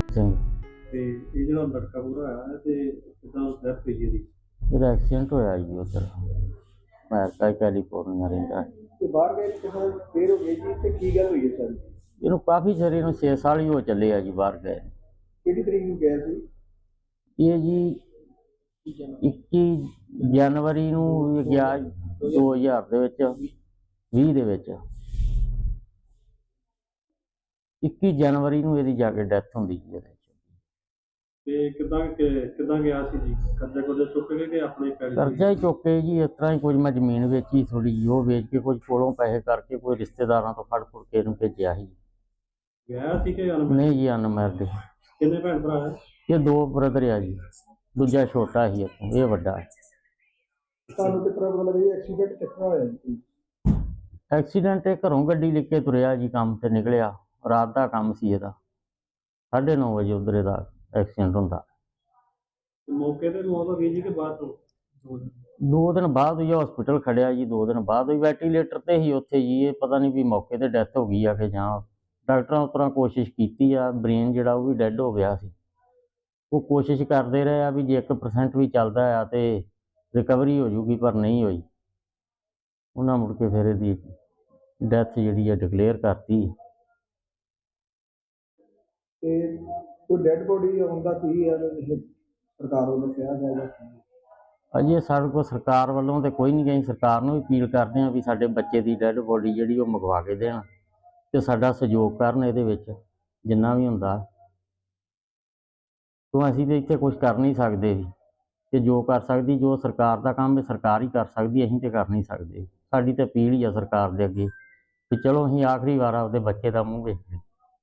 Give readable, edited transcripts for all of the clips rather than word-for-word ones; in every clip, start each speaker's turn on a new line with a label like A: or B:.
A: ਸਿੰਘ।
B: ਤੇ ਇਹ ਜਿਹੜਾ ਲੜਕਾ ਪੂਰਾ ਹੋਇਆ ਹੈ ਤੇ ਕਿਦਾਂ ਡੈਥ ਹੋਈ ਇਹਦੀ?
A: ਇਹਦਾ ਐਕਸੀਡੈਂਟ ਹੋਇਆ ਜੀ ਉੱਧਰ ਅਮਰੀਕਾ ਕੈਲੀਫੋਰਨੀਆ ਰਹਿੰਦਾ।
B: ਤੇ ਬਾਹਰ ਗਏ ਕਿਹਨਾਂ ਫੇਰ ਹੋ ਗਈ ਜੀ ਤੇ ਕੀ ਗੱਲ ਹੋਈ ਹੈ ਸਰ?
A: ਇਹਨੂੰ ਕਾਫੀ ਚਿਰ, ਇਹਨੂੰ 6 ਸਾਲ ਹੀ ਹੋ ਚੱਲੇ ਆ ਜੀ ਬਾਹਰ ਗਏ।
B: ਕਿਹੜੀ ਤਰੀਕ ਨੂੰ ਗਿਆ ਸੀ?
A: ਇਹ ਜੀ 21 ਜਨਵਰੀ ਨੂੰ ਗਿਆ 2000 ਦੇ ਵਿੱਚ 20 ਦੇ ਵਿੱਚ 21 ਜਨਵਰੀ ਨੂੰ ਇਹਦੀ ਜਾ ਕੇ ਡੈਥ ਹੁੰਦੀ ਜੀ ਇਹਦੇ।
B: ਤੇ ਕਿਦਾਂ ਗਿਆ ਸੀ ਜੀ? ਕਰਜ਼ਾ ਕੁਰਜ਼ਾ ਚੁੱਕ ਕੇ ਕਿ ਆਪਣੇ ਪੈਸੇ?
A: ਕਰਜ਼ਾ ਹੀ ਚੁੱਕ ਕੇ ਜੀ, ਇਸ ਤਰ੍ਹਾਂ ਹੀ ਕੁਝ ਮੈਂ ਜ਼ਮੀਨ ਵੇਚੀ ਥੋੜੀ ਜਿਹੀ, ਉਹ ਵੇਚ ਕੇ ਕੁਝ ਕੋਲੋਂ ਪੈਸੇ ਕਰਕੇ ਕੋਈ ਰਿਸ਼ਤੇਦਾਰਾਂ ਤੋਂ ਫੜ ਫੁੜ ਕੇ ਇਹਨੂੰ ਭੇਜਿਆ ਸੀ।
B: ਗਿਆ ਸੀ ਕਿ ਅਨਮੈਰਿਡ?
A: ਨਹੀਂ ਜੀ, ਅਨਮੈਰਿਡ।
B: ਕਿੰਨੇ ਭੈਣ ਭਰਾ ਹੈ?
A: ਇਹ 2 ਬ੍ਰਦਰ ਆ ਜੀ, ਦੂਜਾ ਛੋਟਾ ਸੀ ਇਹ ਵੱਡਾ ਹੈ।
B: ਤੁਹਾਨੂੰ ਕਿਸ ਤਰ੍ਹਾਂ ਪਤਾ ਲੱਗਾ ਜੀ ਐਕਸੀਡੈਂਟ ਕਿਸ ਤਰ੍ਹਾਂ ਹੋਇਆ ਜੀ?
A: ਐਕਸੀਡੈਂਟ ਇਹ ਘਰੋਂ ਗੱਡੀ ਲੈ ਕੇ ਤੁਰਿਆ ਜੀ, ਕੰਮ ਤੇ ਨਿਕਲਿਆ, ਰਾਤ ਦਾ ਕੰਮ ਸੀ ਇਹਦਾ, 9:30 ਵਜੇ ਉੱਧਰ ਇਹਦਾ ਐਕਸੀਡੈਂਟ ਹੁੰਦਾ।
B: ਮੌਕੇ ਤੇ ਮੌਤ ਹੋ ਗਈ ਜੀ ਕਿ ਬਾਅਦ ਤੋਂ?
A: 2 ਦਿਨ ਬਾਅਦ ਹੀ ਹਸਪੀਟਲ ਖੜਿਆ ਜੀ, 2 ਦਿਨ ਬਾਅਦ ਹੀ ਵੈਂਟੀਲੇਟਰ ਤੇ ਹੀ ਉੱਥੇ ਜੀ। ਇਹ ਪਤਾ ਨਹੀਂ ਵੀ ਮੌਕੇ ਤੇ ਡੈਥ ਹੋ ਗਈ ਆ ਕਿ ਜਾਂ ਡਾਕਟਰਾਂ ਉਸ ਤਰ੍ਹਾਂ ਕੋਸ਼ਿਸ਼ ਕੀਤੀ ਆ, ਬ੍ਰੇਨ ਜਿਹੜਾ ਉਹ ਵੀ ਡੈੱਡ ਹੋ ਗਿਆ ਸੀ। ਉਹ ਕੋਸ਼ਿਸ਼ ਕਰਦੇ ਰਹੇ ਆ ਵੀ ਜੇ 1% ਵੀ ਚੱਲਦਾ ਆ ਤੇ ਰਿਕਵਰੀ ਹੋ ਜੂਗੀ, ਪਰ ਨਹੀਂ ਹੋਈ। ਉਹਨਾਂ ਮੁੜ ਕੇ ਫਿਰ ਇਹਦੀ ਡੈਥ ਜਿਹੜੀ ਆ ਡਿਕਲੇਅਰ ਕਰਤੀ।
B: ਤੇ ਕੋਈ ਡੈਡ ਬੋਡੀ ਆਉਣ ਦਾ ਕੀ ਹੈ ਸਰਕਾਰ ਵੱਲੋਂ ਕਿਹਾ ਜਾਏਗਾ?
A: ਅਜੇ ਸਾਡੇ ਕੋਲ ਸਰਕਾਰ ਵੱਲੋਂ ਤੇ ਕੋਈ ਨਹੀਂ ਗਈ। ਸਰਕਾਰ ਨੂੰ ਵੀ ਅਪੀਲ ਕਰਦੇ ਹਾਂ ਵੀ ਸਾਡੇ ਬੱਚੇ ਦੀ ਡੈਡ ਬੋਡੀ ਜਿਹੜੀ ਉਹ ਮੰਗਵਾ ਕੇ ਦੇਣ ਤੇ ਸਾਡਾ ਸਹਿਯੋਗ ਕਰਨ ਇਹਦੇ ਵਿੱਚ ਜਿੰਨਾ ਵੀ ਹੁੰਦਾ। ਕਿਉਂ ਅਸੀਂ ਤਾਂ ਇੱਥੇ ਕੁਝ ਕਰ ਨਹੀਂ ਸਕਦੇ ਵੀ, ਤੇ ਜੋ ਕਰ ਸਕਦੀ, ਜੋ ਸਰਕਾਰ ਦਾ ਕੰਮ ਹੈ ਸਰਕਾਰ ਹੀ ਕਰ ਸਕਦੀ, ਅਸੀਂ ਤੇ ਕਰ ਨਹੀਂ ਸਕਦੇ। ਸਾਡੀ ਤਾਂ ਅਪੀਲ ਹੀ ਆ ਸਰਕਾਰ ਦੇ ਅੱਗੇ ਵੀ ਚਲੋ ਅਸੀਂ ਆਖਰੀ ਵਾਰ ਆਪਦੇ ਬੱਚੇ ਦਾ ਮੂੰਹ ਵੇਖ ਲਈਏ।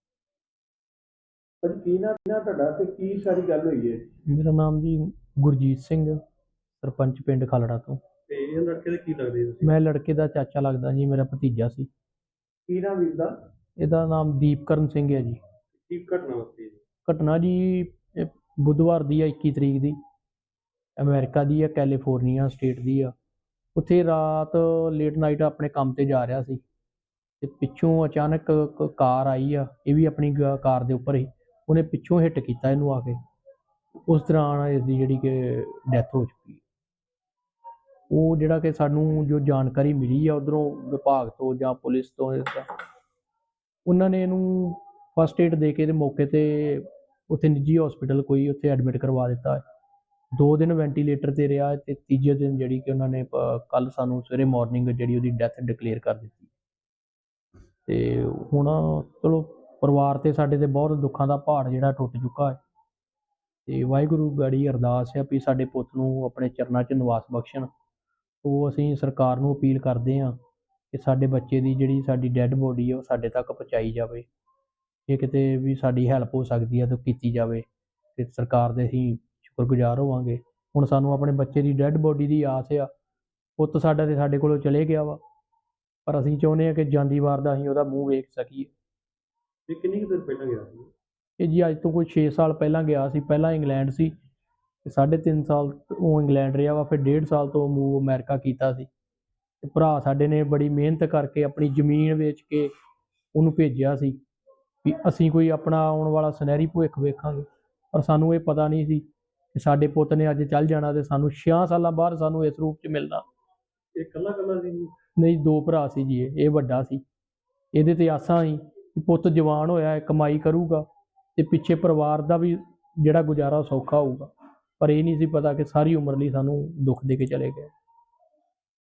B: ਕੀ ਨਾ ਤੁਹਾਡਾ ਤੇ ਕੀ ਸਾਰੀ ਗੱਲ ਹੋਈ ਹੈ?
C: ਮੇਰਾ ਨਾਮ ਜੀ ਗੁਰਜੀਤ ਸਿੰਘ, ਸਰਪੰਚ ਪਿੰਡ ਖਾਲੜਾ ਤੋਂ।
B: ਤੇ ਇਹ ਲੜਕੇ ਦੇ ਕੀ ਲੱਗਦੇ ਤੁਸੀਂ?
C: ਮੈਂ ਲੜਕੇ ਦਾ ਚਾਚਾ ਲੱਗਦਾ ਜੀ, ਮੇਰਾ ਭਤੀਜਾ ਸੀ।
B: ਕੀ ਨਾਮ ਵੀਰ ਦਾ?
C: ਇਹਦਾ ਨਾਮ ਦੀਪਕਰਨ ਸਿੰਘ ਹੈ ਜੀ।
B: ਕੀ ਘਟਨਾ ਵਾਪਰੀ?
C: ਘਟਨਾ ਜੀ ਇਹ ਬੁੱਧਵਾਰ ਦੀ ਆ, 21 ਤਰੀਕ ਦੀ। ਅਮਰੀਕਾ ਦੀ ਆ, ਕੈਲੀਫੋਰਨੀਆ ਸਟੇਟ ਦੀ ਆ। ਉੱਥੇ ਰਾਤ ਲੇਟ ਨਾਈਟ ਆਪਣੇ ਕੰਮ ਤੇ ਜਾ ਰਿਹਾ ਸੀ ਤੇ ਪਿੱਛੋਂ ਅਚਾਨਕ ਕਾਰ ਆਈ ਆ, ਇਹ ਵੀ ਆਪਣੀ ਕਾਰ ਦੇ ਉੱਪਰ ਹੀ, ਉਹਨੇ ਪਿੱਛੋਂ ਹਿੱਟ ਕੀਤਾ ਇਹਨੂੰ ਆ ਕੇ। ਉਸ ਦੌਰਾਨ ਇਸਦੀ ਜਿਹੜੀ ਕਿ ਡੈਥ ਹੋ ਚੁੱਕੀ। ਉਹ ਜਿਹੜਾ ਕਿ ਸਾਨੂੰ ਜੋ ਜਾਣਕਾਰੀ ਮਿਲੀ ਆ ਉੱਧਰੋਂ ਵਿਭਾਗ ਤੋਂ ਜਾਂ ਪੁਲਿਸ ਤੋਂ, ਉਹਨਾਂ ਨੇ ਇਹਨੂੰ ਫਸਟ ਏਡ ਦੇ ਕੇ ਤੇ ਮੌਕੇ ਤੇ ਉੱਥੇ ਨਿੱਜੀ ਹਸਪੀਟਲ ਕੋਈ ਉੱਥੇ ਐਡਮਿਟ ਕਰਵਾ ਦਿੱਤਾ। 2 ਦਿਨ ਵੈਂਟੀਲੇਟਰ ਤੇ ਰਿਹਾ ਤੇ ਤੀਜੇ ਦਿਨ ਜਿਹੜੀ ਕਿ ਉਹਨਾਂ ਨੇ ਕੱਲ ਸਾਨੂੰ ਸਵੇਰੇ ਮਾਰਨਿੰਗ ਜਿਹੜੀ ਉਹਦੀ ਡੈਥ ਡਿਕਲੇਅਰ ਕਰ ਦਿੱਤੀ। ਤੇ ਹੁਣ ਚਲੋ ਪਰਿਵਾਰ ਤੇ ਸਾਡੇ ਤੇ ਬਹੁਤ ਦੁੱਖਾਂ ਦਾ ਪਹਾੜ ਜਿਹੜਾ ਟੁੱਟ ਚੁੱਕਾ ਹੈ ਤੇ ਵਾਹਿਗੁਰੂ ਗਾੜੀ ਅਰਦਾਸ ਹੈ ਵੀ ਸਾਡੇ ਪੁੱਤ ਨੂੰ ਆਪਣੇ ਚਰਨਾਂ 'ਚ ਨਿਵਾਸ ਬਖਸ਼ਣ। ਉਹ ਅਸੀਂ ਸਰਕਾਰ ਨੂੰ ਅਪੀਲ ਕਰਦੇ ਹਾਂ ਕਿ ਸਾਡੇ ਬੱਚੇ ਦੀ ਜਿਹੜੀ ਸਾਡੀ ਡੈੱਡ ਬੋਡੀ ਹੈ ਉਹ ਸਾਡੇ ਤੱਕ ਪਹੁੰਚਾਈ ਜਾਵੇ। ਜੇ ਕਿਤੇ ਵੀ ਸਾਡੀ ਹੈਲਪ ਹੋ ਸਕਦੀ ਹੈ ਤਾਂ ਕੀਤੀ ਜਾਵੇ ਤੇ ਸਰਕਾਰ ਦੇ ਅਸੀਂ ਸ਼ੁਕਰਗੁਜ਼ਾਰ ਹੋਵਾਂਗੇ। ਹੁਣ ਸਾਨੂੰ ਆਪਣੇ ਬੱਚੇ ਦੀ ਡੈੱਡ ਬੋਡੀ ਦੀ ਆਸ ਆ। ਪੁੱਤ ਸਾਡਾ ਤੇ ਸਾਡੇ ਕੋਲੋਂ ਚਲੇ ਗਿਆ ਵਾ, ਪਰ ਅਸੀਂ ਚਾਹੁੰਦੇ ਹਾਂ ਕਿ ਜਾਂਦੀ ਵਾਰ ਦਾ ਅਸੀਂ ਉਹਦਾ ਮੂੰਹ ਵੇਖ ਸਕੀਏ।
B: ਇਹ ਕਿੰਨੀ ਕੁ ਦੇਰ ਪਹਿਲਾਂ ਗਿਆ ਸੀ?
C: ਇਹ ਜੀ ਅੱਜ ਤੋਂ ਕੋਈ 6 ਸਾਲ ਪਹਿਲਾਂ ਗਿਆ ਸੀ। ਪਹਿਲਾਂ ਇੰਗਲੈਂਡ ਸੀ ਤੇ 3.5 ਸਾਲ ਉਹ ਇੰਗਲੈਂਡ ਰਿਹਾ ਵਾ, ਫਿਰ 1.5 ਸਾਲ ਤੋਂ ਮੂਵ ਅਮਰੀਕਾ ਕੀਤਾ ਸੀ। ਤੇ ਭਰਾ ਸਾਡੇ ਨੇ ਬੜੀ ਮਿਹਨਤ ਕਰਕੇ ਆਪਣੀ ਜ਼ਮੀਨ ਵੇਚ ਕੇ ਉਹਨੂੰ ਭੇਜਿਆ ਸੀ ਵੀ ਅਸੀਂ ਕੋਈ ਆਪਣਾ ਆਉਣ ਵਾਲਾ ਸੁਨਹਿਰੀ ਭਵਿੱਖ ਵੇਖਾਂਗੇ। ਪਰ ਸਾਨੂੰ ਇਹ ਪਤਾ ਨਹੀਂ ਸੀ ਕਿ ਸਾਡੇ ਪੁੱਤ ਨੇ ਅੱਜ ਚੱਲ ਜਾਣਾ ਤੇ ਸਾਨੂੰ 6 ਸਾਲਾਂ ਬਾਅਦ ਸਾਨੂੰ ਇਸ ਰੂਪ 'ਚ ਮਿਲਣਾ।
B: ਇਹ ਇਕੱਲਾ ਸੀ?
C: ਨਹੀਂ, 2 ਭਰਾ ਸੀ ਜੀ। ਇਹ ਵੱਡਾ ਸੀ। ਇਹਦੇ ਤੇ ਆਸਾਂ ਸੀ ਕਿ ਪੁੱਤ ਜਵਾਨ ਹੋਇਆ, ਕਮਾਈ ਕਰੂਗਾ ਤੇ ਪਿੱਛੇ ਪਰਿਵਾਰ ਦਾ ਵੀ ਜਿਹੜਾ ਗੁਜ਼ਾਰਾ ਸੌਖਾ ਹੋਊਗਾ। ਪਰ ਇਹ ਨਹੀਂ ਸੀ ਪਤਾ ਕਿ ਸਾਰੀ ਉਮਰ ਲਈ ਸਾਨੂੰ ਦੁੱਖ ਦੇ ਕੇ ਚਲੇ ਗਏ।